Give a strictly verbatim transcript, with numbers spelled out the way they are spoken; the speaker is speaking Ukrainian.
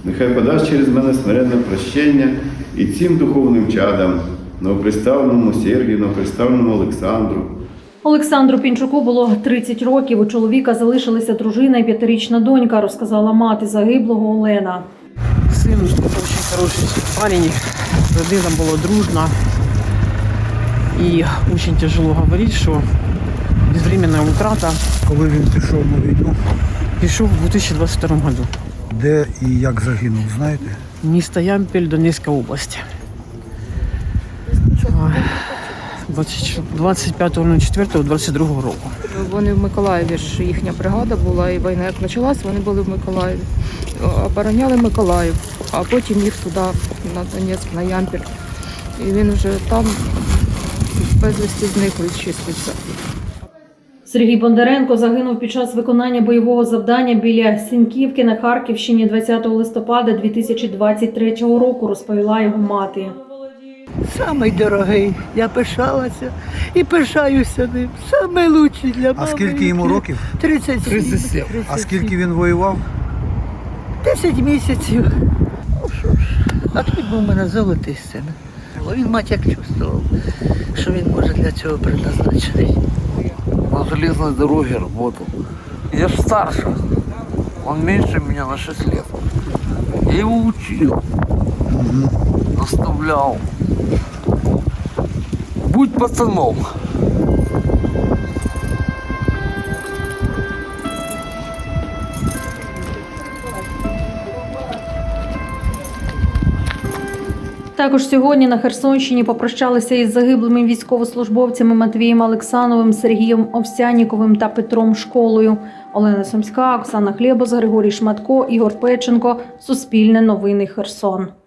Нехай подасть через мене смиренне прощення і цим духовним чадам, новоприставленому Сергію, новоприставленому Олександру. Олександру Пінчуку було тридцять років. У чоловіка залишилися дружина і п'ятирічна донька, розказала мати загиблого Олена. Син дуже хороший парень, родина була дружна. І дуже тяжело говорити, що безвременна утрата. Коли він пішов на війну? Пішов у дві тисячі двадцять другому году. Де і як загинув, знаєте? Місто Ямпіль, Донецька область. двадцять п'ятого четвертого двадцять другого року. Вони в Миколаєві ж їхня бригада була, і війна як почалась, вони були в Миколаєві. Обороняли Миколаїв, а потім їх туди, на Донецьк, на Ямпіль. І він вже там безвісти зниклий числиться. Сергій Бондаренко загинув під час виконання бойового завдання біля Сіньківки на Харківщині двадцятого листопада дві тисячі двадцять третього року, розповіла його мати. Самий дорогий. Я пишалася і пишаюся ним. Самий лучший для мами. А скільки йому років? тридцять сім. тридцять сім. А скільки він воював? десять місяців. Ну що ж, а тут був у мене золотий син. Він мать як чувствував, що він може для цього предназначений. На железной дороге работал. Я ж старше. Он меньше меня на шесть лет. Я его учил. Наставлял. Будь пацаном. Також сьогодні на Херсонщині попрощалися із загиблими військовослужбовцями Матвієм Олексановим, Сергієм Овсяніковим та Петром Школою. Олена Сумська, Оксана Хлєбос, Григорій Шматко, Ігор Печенко. Суспільне новини Херсон.